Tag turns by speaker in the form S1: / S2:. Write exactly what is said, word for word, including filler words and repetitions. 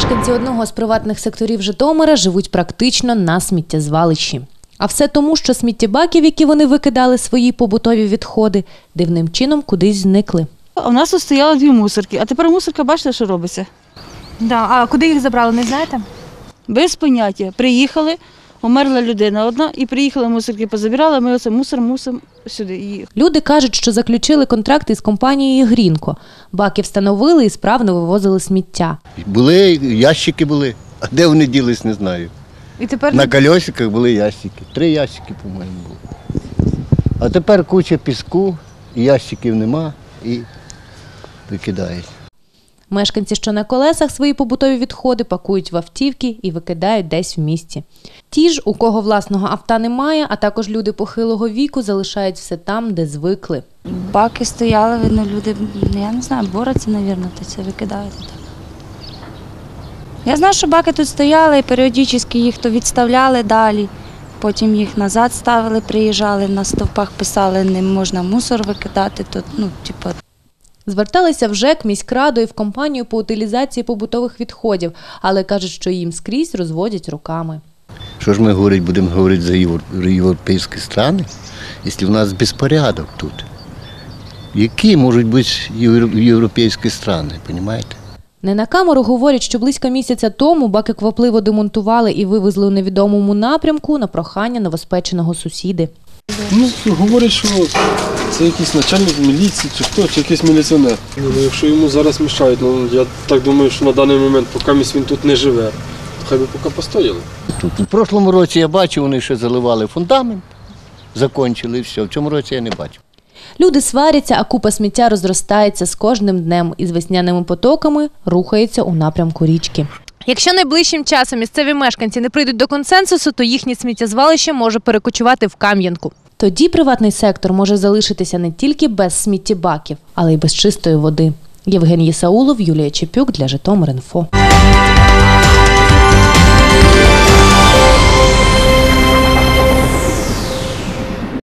S1: Мешканці одного з приватних секторів Житомира живуть практично на сміттєзвалищі. А все тому, що сміттєбаки, в які вони викидали свої побутові відходи, дивним чином кудись зникли.
S2: У нас тут стояло дві мусорки, а тепер мусорка, бачите, що робиться?
S3: Да. А куди їх забрали, не знаєте?
S2: Без поняття. Приїхали, померла людина одна, і приїхали мусорки, позабирали, ми оце мусор мусимо сюди їх.
S1: Люди кажуть, що заключили контракт із компанією «Грінко». Баки встановили і справно вивозили сміття.
S4: Були, ящики були, а де вони ділись, не знаю.
S3: І тепер
S4: На колесиках були ящики, три ящики, по-моєму, було. А тепер куча піску, і ящиків нема, і викидають.
S1: Мешканці, що на колесах свої побутові відходи пакують в автівки і викидають десь в місті. Ті ж, у кого власного авто немає, а також люди похилого віку, залишають все там, де звикли.
S5: Баки стояли, видно, люди, я не знаю, борються, мабуть, то це викидають. Я знаю, що баки тут стояли і періодично їх то відставляли далі, потім їх назад ставили, приїжджали, на стовпах писали, не можна мусор викидати, то, ну, типу.
S1: Зверталися в ЖЕК, міськраду і в компанію по утилізації побутових відходів, але кажуть, що їм скрізь розводять руками.
S4: Що ж ми говорити, будемо говорити за європейські країни, якщо в нас безпорядок тут? Які можуть бути європейські країни, розумієте?
S1: Не на камеру говорять, що близько місяця тому баки квапливо демонтували і вивезли у невідомому напрямку на прохання новоспеченого сусіди.
S6: Ну, говорять, що це якийсь начальник міліції, чи хто, чи якийсь міліціонер. Ну, якщо йому зараз мішають, ну, я так думаю, що на даний момент, поки він тут не живе, то хай би поки постояли.
S4: Тут у прошлому році я бачив, вони ще заливали фундамент, закінчили і все. В цьому році я не бачив.
S1: Люди сваряться, а купа сміття розростається з кожним днем і з весняними потоками рухається у напрямку річки. Якщо найближчим часом місцеві мешканці не прийдуть до консенсусу, то їхнє сміттєзвалище може перекочувати в Кам'янку. Тоді приватний сектор може залишитися не тільки без сміттєбаків, але й без чистої води. Євген Єсаулов, Юлія Чепюк для Житомир.Інфо.